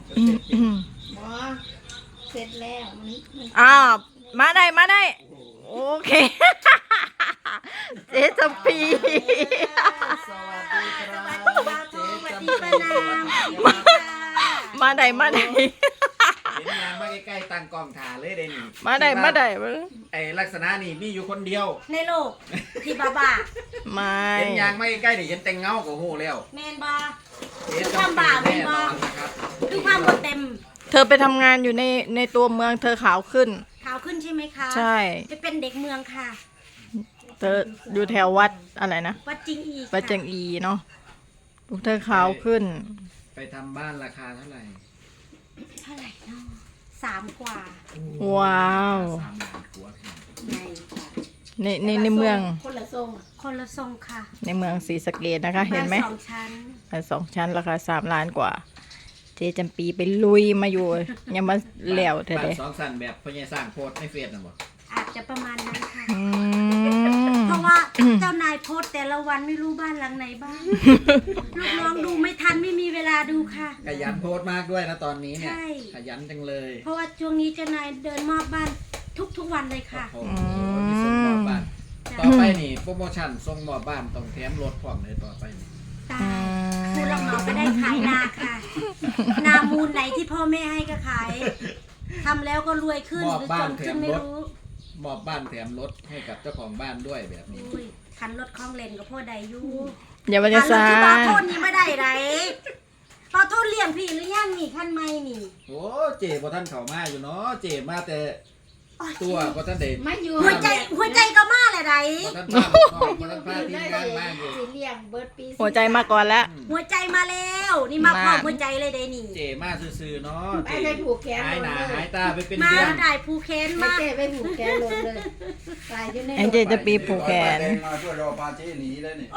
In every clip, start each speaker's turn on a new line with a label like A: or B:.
A: หมอเสร็จแล้วมัน
B: อ้าวมาได้โอเคเจ๊จำปี
C: สวัสดีครับ
A: สวัสดีป้านาม
B: มาได้
C: เห็นยางมาใกล้ๆตั้งกล้องถ่าเลยเด้นี่
B: มาได้
C: ไอ้ลักษณะนี่มีอยู่คนเดียว
A: ในโลกที่บ้า
B: ไม่
C: เห็นยางมาใกล้ๆนี่เห็นแต่งเงาก็โหแล้ว
A: แมนบา
C: เจ๊จำปีแน่นอนนะครับ
A: คือความบดเต็ม
B: เธอไปทำงานอยู่ในตัวเมืองเธอขาวขึ้น
A: ขาวขึ้นใช่ไหมคะ
B: ใช่
A: ไปเป็นเด็กเมืองค่ะ
B: เธออยู่แถววัดอะไรนะ
A: วัดจริงอีก
B: วัดจังอีเนาะลูกเธอขาวขึ้น
C: ไปทำบ้านราคาเท่าไหร่
A: เท่าไหร่เนาะ3 กว่า
B: ว้าว
C: 3 ล้านกว่าพี่
A: ใหญ่ค่ะ
B: ในเมือง
A: คนละทรงคนละทรงค่ะ
B: ในเมืองศรีสะเกษนะคะ เห็นไหม
A: บ้า2 ชั้น
B: บ้าน2 ชั้นราคา3 ล้านกว่า เจ๊จำปีไปลุยมาอยู่ ยังมาแล้วเธอ
C: บ้า
B: เด้
C: น2 สั้นแบบพ่อใหญ่สร้างโพสต์ในเฟซน่ะบ่
A: อาจจะประมาณนั้นค่ะ
B: อืม
A: เพราะว่าเจ้านายโพสต์แต่ละวันไม่รู้บ้านหลังไหนบ้าง ลูกน้องดูไม่ทันไม่มีเวลาดูค่ะ
C: ขยันโพสต์มากด้วยนะตอนนี้เนี่ย
A: ใช่
C: ขยันจังเลย
A: เพราะว่าช่วงนี้เจ้านายเดินมอบบ้านทุกวันเลยค่ะ
C: โอ้โหมีส่งมอบบ้านต่อไปนี่โปรโมชั่นส่งมอบบ้านต้องแถมรถพร้อมเลยต่อไปนี่
A: ตายผู้รับเหมาก็ได้ขายนาค่ะ นามูลไหนที่พ่อแม่ให้ก็ขายทำแล้วก็รวยขึ้นหรือจนขึ้นไม่รู้
C: มอบบ้านแถมรถให้กับเจ้าของบ้านด้วยแบบนี้
A: อุ้ยคันรถคล้องเลนกับพ่อใดอยู่
B: อย่ามา
A: คั
B: จะ
A: นรถ
B: ซา
A: ที่บอโทษนี่ไม่ได้ไรบอโทษเลี้ยงพี่หรือยังนี่คันไม่นี่
C: โอ้เจ๋บ่ท่านเข้ามาอยู่เนาะเจ๋มาแต่ตัวบ่ท่านเด็
D: ไม่อยู่
A: หัวใจก็มาเลยไร
C: บ่ท่านพาบ่ท่านพาทีมงานมาอยู่
D: สีเลี้ยงเบิร์ดปี
B: หัวใจมาก่อนแล้ว
A: หัวใจมาแล้ว นี่มาพร้อมหัวใจเลยเดนี่
C: เจ๋มาซื่อๆเนาะ
D: ไป
C: เจ๋
D: ไปผูกแขน
C: หาย
D: ล
C: ห
D: ง
C: น้า
D: เล
C: หาย ยตาไปเป็น
A: มา
C: เดือน
A: ได้ภูเคน
D: ไม่
A: มา
D: เจ๊ไปผูกแขนลงเลยตายอยู่ใน
B: ไอ้เจ๊จะปีผูกแขน
E: มาช่วยรอพาเจ๊หนีเลยนี่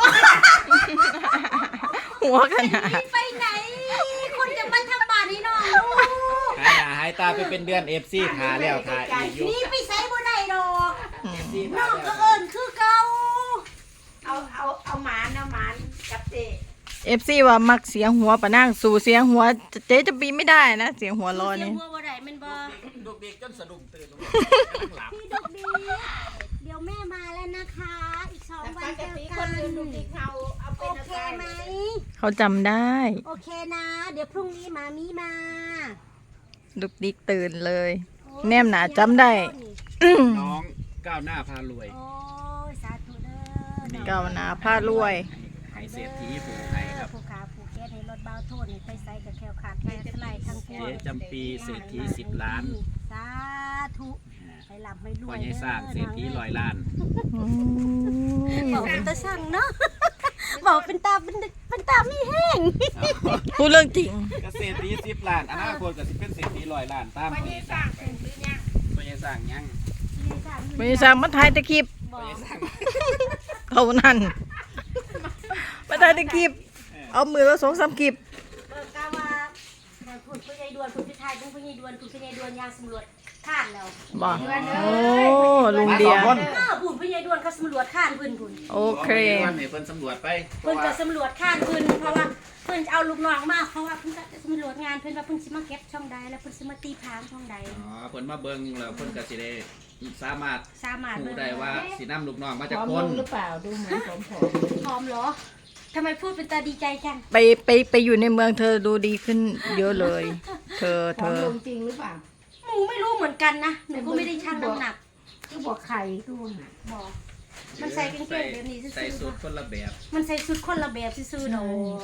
B: หัวขนาด
A: ไปไหนคุณจะมาทำบาปนี่น้อง
C: หายหน้าหายตาไปเป็นเดือน FC ทาแล้วทาอีกอยู่
A: นี่ไปใส่บ่ได้ดอก
C: FC
A: น้
C: ทา
A: อง
C: แล้
A: ก็
C: ว
A: เอิญคือเก่า
D: เอาหมานกับเจ๊
B: FC ว่ามักเสียงหัวปะนั่งสู่เสียงหัวเจ๊จะปีไม่ได้นะ เสียงหัวร้อน
A: เสีย
B: นี่
A: งหัวบ่ได้แมันบ่
C: ลูกเด็กจนสะดุ้งตื่นลงหลับ
A: พี่ดกดีเดี๋ยวแม่มาแล้วนะคะ อีก2 วัน
D: ป
A: เจ
D: ก
A: อ
D: ติค
A: กัน น
D: อื่นดูดิเขาเอาเป็
A: โอน เค
D: อะไร
A: ไหม
B: เขาจำได้
A: โอเคนะ เดี๋ยวพรุ่งนี้มามีมา
B: ดุกดิกตื่นเลย แนมหนาจำได้
C: น้องก้าวหน้าพารวย
A: โอ้ยสาธุเด้อ
B: ก้าวหน้าพารวย
C: ให้เศรษฐีผู้ไทยครับ
A: ผู้ขาผู้แก้ในรถเบาโทษในไปใส่กับแคลขาดแคลสไลด์ทั้งปวง
C: เจ๊จำปีเศรษฐี10 ล้าน
A: สาธุไปหลับไม่รว
C: พ่อย ใหญ่สร้างเศรษฐี100 ล้าน
A: บอกเป็นตาช่างเนาะบอกเป็นตาเป็นตาไม่แห้ง
B: พูดเรื่องจริง
C: เกษตรดี10 ล้านอนาคตก็สิเป็นเศรษฐี100 ล้านตาม
D: ไป
C: พ่อให
D: นี่
C: ญ่ส
D: ส
C: ร้า
D: ร้าง งเป็นหรือยัง
C: พ่อใหญ่สร้างยัง
B: ไม่ได้สร้างมาถ่ายแตะคลิป
A: บอก
B: เท่านั้นมาถ่ายแตะคลิป เอามือละ2-3คลิป
A: กาว่าคุณผู้ใหญ่ดวนคุณพิทายคุณผู้ใหญ่ดวนคุณผู้ใหญ่ดวนยางสำรวจข้านแล้ว
B: บอกโอ้ลุงเดีย
A: คุณผู้ใหญ่ดวนเขาสำรวจข้านพื้นคุณ
B: โอเค
C: วันนี้เพิ่นสำรวจไป
A: เพิ่นก็สำรวจข้านพื้นเพราะว่าเพิ่นจะเอาลูกน้องมาเพราะว่าเพิ่นจะสำรวจงานเพิ่นว่าเพิ่นสิมาเก็บช่องใดแล้วเพิ่นสิมาตีพางช่องใด
C: อ๋อเพิ่นมาเบิ่งแล้วเพิ่นก็สิได้สามารถ
A: สามารถ
C: รู้ได้ว่าสินำลูกน้องมา
D: พ
C: จาก
D: ร้อม
C: ค
D: ล
C: น
D: งหรือเปล่าดูเหมือนผอม
A: พร้อมเหรอทำไมพูดเป็นตาดีใจจัง
B: ไปอยู่ในเมืองเธอดูดีขึ้นเยอะเลย เธอ
D: ผอมลงจริงหรือเปล่า
A: หนูไม่รู้เหมือนกันนะหนูก็ไม่ได้ชั่งน้ำหนัก
D: ก็บอกไข่ดูหา
A: บอกมันใส่กางเกงแบบนี้ซื่
C: ใส่
A: อ
C: สูทคนละแบบ
A: ๆมันใส่ชุดคนละแบบซื่อๆดอก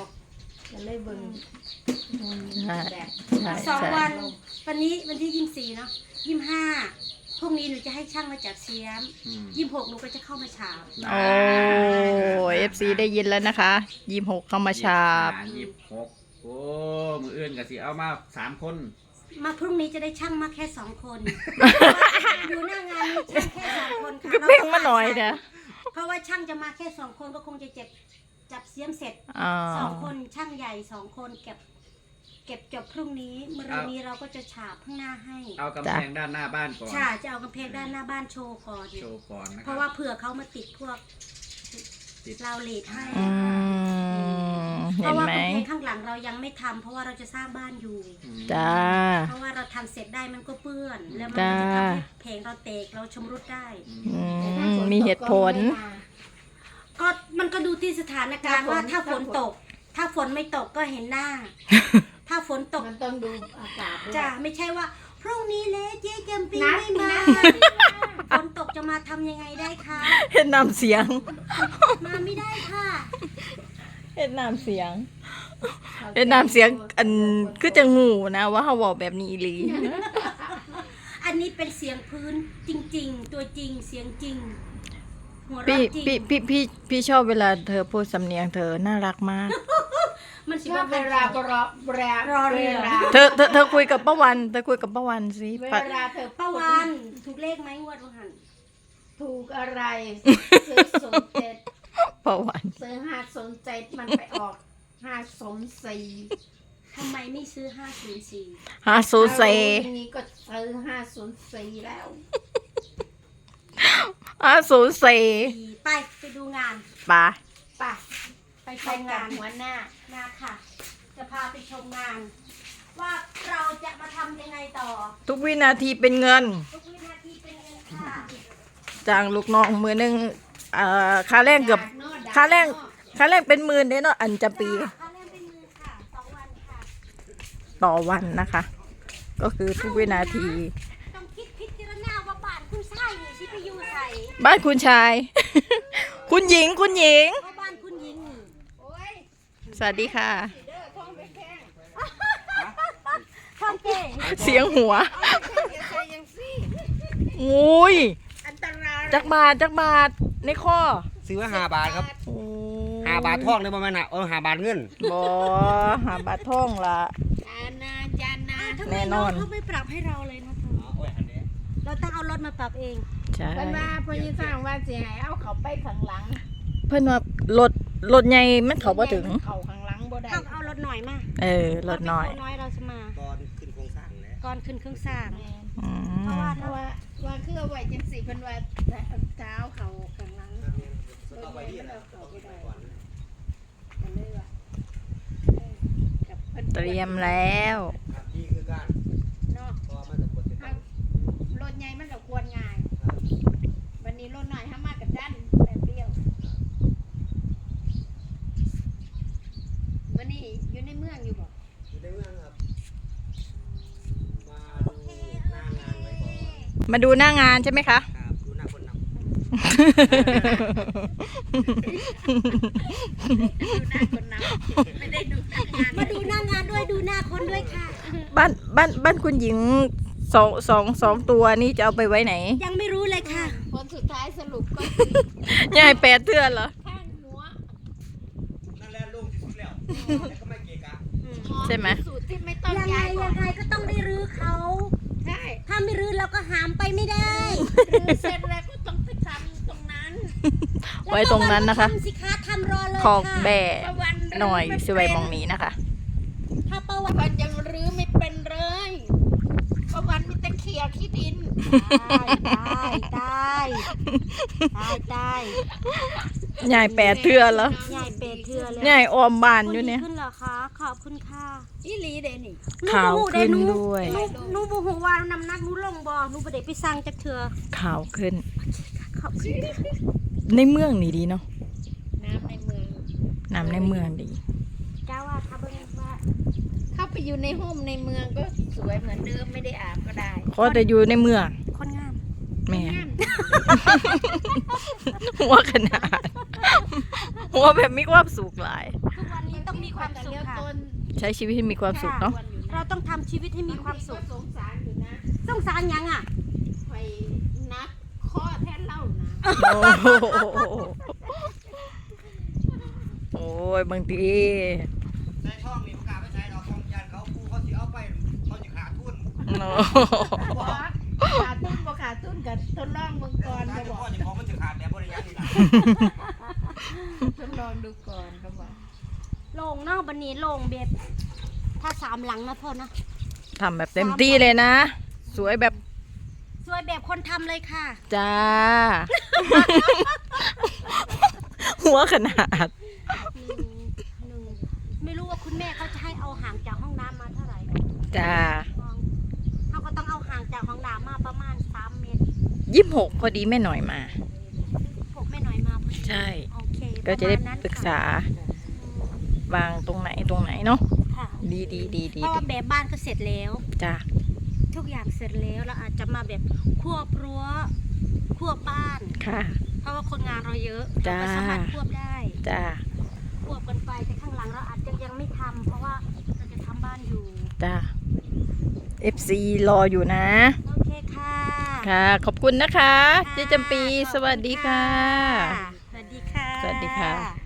D: จะเลยเบิ่ง
B: ใช่
D: แบบ
B: ใช่
A: สอง
B: ใช่
A: วันนี้วันที่24เนาะ25พรุ่งนี้หนูจะให้ช่างมาจับเสียม26หนูก็จะเข้ามาฉาบ
B: โอ้เอฟซีได้ยินแล้วนะคะ26เข้ามาชาบ
C: 26โอ้มืออื่นก็สิเอามา3คน
A: มาพรุ่งนี้จะได้ช่างมาแค่2 คนอยู่หน้างานมีช่างแค่2 คนค่ะ
B: ก็เพ่งมาหน่อยนะ
A: เพราะว่าช่างจะมาแค่2 คนก็คงจะจับเสียมเสร็จ
B: อ๋อ
A: 2 คนช่างใหญ่2 คนเก็บจบพรุ่งนี้มะรืนนี้เราก็จะฉาบข้างหน้าให้
C: เอากำแพงด้านหน้าบ้านก่อน
A: ใช่จะเอากำแพงด้านหน้าบ้านโชว์ก่อน
C: โชว์ก่อนนะค
A: เพ
C: รับ
A: ราะว่าเผื่อเขามาติดพวก
C: ติด
A: ราวเลทให้
B: อืม
A: เพ
B: เห็น
A: ราะว่า
B: ไหม
A: กำแพงข้างหลังเรายังไม่ทำเพราะว่าเราจะสร้างบ้านอยู่
B: จ้า
A: เพราะว่าเราทำเสร็จได้มันก็เปื้อน แล้วมันก็จะทำให้แผงเราแตกเราชำรุดได้
B: มีเหตุผล
A: ก็มันก็ดูที่สถานการณ์ว่าถ้าฝนตก ถ้าฝนไม่ตกก็เห็นหน้า ถ้าฝนตก
D: มันต้องดูอากาศด้วย
A: จะไม่ใช่ว่าพรุ่งนี้เลยเจ๊แกมปีไม่มาฝนตกจะมาทำยังไงได้คะ
B: เห็นน้ำเสียง
A: มาไม่ได้ค่ะ
B: เห็นน้ำเสียง เห็นน้ำเสียงอันคือจะงูนะว่าเขาบอกแบบนี้อีหลี
A: อันนี้เป็นเสียงพื้นจริง ๆ ตัวจริงเสียงจริง หัวเราะ
B: พี่
A: จริง
B: พี่ชอบเวลาเธอพูดสำเนียงเธอน่ารักมาก
A: มันสิ
D: ชอ
A: ว่า
D: บเวลาบรอเรือ
B: เธอคุยกับป้าวันเธอคุยกับป้าวันสิ
D: เว
B: ป้า
D: ลาเธอ
A: ป้าวันถูกเลขไหมงวดวันหัน
D: ถูกอะไรซื้อ07
B: ป้าวัน
D: ซื้อ507มันไปออก504
A: ทำไมไม่ซื้อ504
B: ฮาซูเซ
D: อย่างนี้ก็ซื้อ504แล้ว
B: ฮาซูเซ
A: ไปดูงาน
B: ป้า
D: ไป
A: ไปช
D: ไป
A: ม
D: กั
A: งา
D: บ
A: น
D: หัวหน้า
A: นะค่ะ จะพาไปชมงาน ว่าเราจะมาทำยังไงต่อ
B: ทุกวินาทีเป็นเงิน
A: ทุกวินาทีเป็นเงินค่ะ
B: จ้างลูกน้องมือหนึงค่าแรงเกือบค่าแรงเป็นหมื่นเด้เนาะอันจะปี
A: ค่าแรงเป็นมือค่ะ2 วันค่ะ
B: ต่อวันนะคะ ก็คือทุกวินาที
A: ต้องคิดพิจารณาว่าบ้านคุณชายนี่สิไปอยู่ใส่
B: บ้านคุณชาย คุณหญิง
A: เพราะบ้านคุณหญิงนี่
B: สวัสดีค่ะ
A: ท่องเก่
B: เสียงหัวอุ้ย
D: อันตราย
B: จักบาทในข้อ
F: ซื้อว่า5 บาทครับ
B: โอ้
F: 5 บาททองเลยประมาณน่ะ5 บาทเงิน
B: บอหาบาทท่องละ
D: จานา
A: ทำไม
B: แน่นอน
A: เขาไม่ปรับให้เราเลยนะเธอเราต้องเอารถมาปรับเอง
B: ใช่
D: เพิ่นว่าเพิ่นสิสร้างว่าสิให้เอาเขาไปข้างหลัง
B: เพื่อนว่ารถใหญ่มันเขาบ่ถึง
D: เขาข้างหลังบ่ได้
A: ต้องเอารถหน่อยมา
B: รถน้อย
A: รถน้อยเราจะมา
F: ตอนขึ้นโครงสร้างนะ
A: ก่อนขึ้นเครื่องสร้าง
B: อื
A: เพราะ
B: ม
A: ว่า
D: เพราะว่าคือเอาไว้จังซี่เพิ่นว่าเท้าเขาข้างหลังส่วนใหญ่มันเอาเขาบ่ได้ก็เลยว่ากับเพิ่น
B: เตรียมแล้ว
F: นี่คือการ
D: เนาะ
F: พอมันจะกดติดตั้ง
D: รถใหญ่มันก็ควรง่าย วันนี้รถหน่อยห้ามากับด้านแบบเดียววันนี้อยู่ในเมืองอยู่บ่
F: อยู่ในเมืองครับ มาดูหน้างานไว้ก่อน
B: มาดูหน้างานใช่ไหมคะ
F: ครับดูหน้าคนนำ
D: ดูหน้าคนนำไม่ได้ดูหน้างาน
A: มาดูหน้างานด้วยดูหน้าคนด้วยค่ะ
B: บ้านคุณหญิงสองตัวนี้จะเอาไปไว้ไหน
A: ยังไม่รู้เลยค่ะ
D: ผลสุดท้ายสรุปก็
B: ยาย8 เทื่อนเหรอ
D: ข้างหัว
F: นั่นแหละลงที่สุดแล้วแต่ก็ไม่เกะกะ
B: ใช่ไหม
D: สูตรที่ไม่ต้อง
A: ยังไง
D: ย้าย
A: ยังไงก็ต้องได้รื้อเขา
D: ใช่
A: ถ้าไม่รื้อเราก็หามไปไม่ได้
D: หรือเสร็จแล้วก็ต้องไปทำตรงนั้น
B: ไว้ตรงนั้นนะคะ
A: ทำสิคะทำรอเลย
B: คอก
A: ค่ะ
B: แบ่
D: ประวัน
B: หน่อยสวยมองนี้นะคะ
A: ถ้าประวั
D: ประ
A: ติ
D: วันยังรื้อไม่เป็นเลยประวันมีแต่เขี่ยขี้ดิน
A: ตายตาย
B: ยาย8 เทื่อนเหรอ
A: ใหญ่เป็ดเทือเลย
B: ยายออมบ้านอยู่เนี่ย
A: ขึ้นเหรอคะ ขอบคุณค่ะ
D: อีหลีเดนี่
B: ขาวขึ้นด้วย
A: หนูบูหูว่าน้ำหนักหนูลงบ่หนูบ่ได้ไปสั่งจากเถื่อ
B: ขาวขึ้น
A: ขอบคุณค่ะ
B: ในเมืองนี่ดีเนาะ
D: น้ำในเมือง
B: น้ำในเมืองดี
A: จ้าว่าถ้าเบิ่งว่า
D: เข้าไปอยู่ในห้องในเมืองก็สวยเหมือนเดิมไม่ได้อาบก็ได้
B: ขอแต่อยู่ในเมือง
A: คนงาม
B: แม่
D: งาม
B: หัวขนาด หัวแบบมีความสุขหลาย
A: ทุกวันนี้ต้องมีความสุขค่ะ
B: ใช้ชีวิตให้มีความสุขเนาะ
A: เราต้องทำชีวิตให้มีความสุข
D: สงสารอยู่นะ
A: สงสารยังอ่ะ
D: ไปนักข้อแทนเล่านะ
B: โอ้ยบางที
F: ในช่องนี่ประกาศไม่ใช่ดอกช่องยานเขาผู้เขาสิเอาไปเขาจะขาดทุน
B: เนาะ
D: ขาดทุนบ่ขาดทุนกับทดลองเมืองก่อน
F: การ
D: ก็
F: จะ
D: บอก
F: พ่อจะของมันจะขาดแล้วบริยารนี่นะ
D: ทดลองดูก่อนก็บอก
A: โล่งเนาะบันนี้โล่งเบ็ดถ้า3 หลังนะพ่อนะ
B: ทำแบบเต็มที่เลยนะ สวยแบบ
A: สวยแบบคนทำเลยค่ะ
B: จ้า หัวขนาด
A: 1 2
B: จ้า
A: เขาก็ต้องเอาห่างจากของหลามาประมาณ3 เมตร
B: 26พอดีแม่หน่อยมา
A: พวกแม่หน่อยมาพอดี
B: ใช่
A: โอเค
B: ก็จะได้
A: ปรมาณนั้น
B: ปรึกษา
A: ค่ะ
B: วางตรงไหนเนาะ
A: ค่ะ
B: ดี
A: เพราะว่าแบบบ้านก็เสร็จแล้ว
B: จ้า
A: ทุกอย่างเสร็จแล้วเราอาจจะมาแบบควบรั้วควบบ้าน
B: ค่ะ
A: เพราะว่าคนงานเราเยอะ
B: จ้า
A: เราก็สามารถควบได้
B: จ้า
A: ควบกันไปแต่ข้างหลังเราอาจจะยังไม่ทำเพราะว่าเราจะทำบ้านอยู่
B: จ้า FC รออยู่นะ
A: โอเคค่ะ
B: ค่ะ ขอบคุณนะคะ
A: ค่ะ
B: เจ๊จำปี
A: ขอบคุณ
B: สวัสดีค่ะ
A: สวัสดีค่ะ
B: สวัสดีค่ะ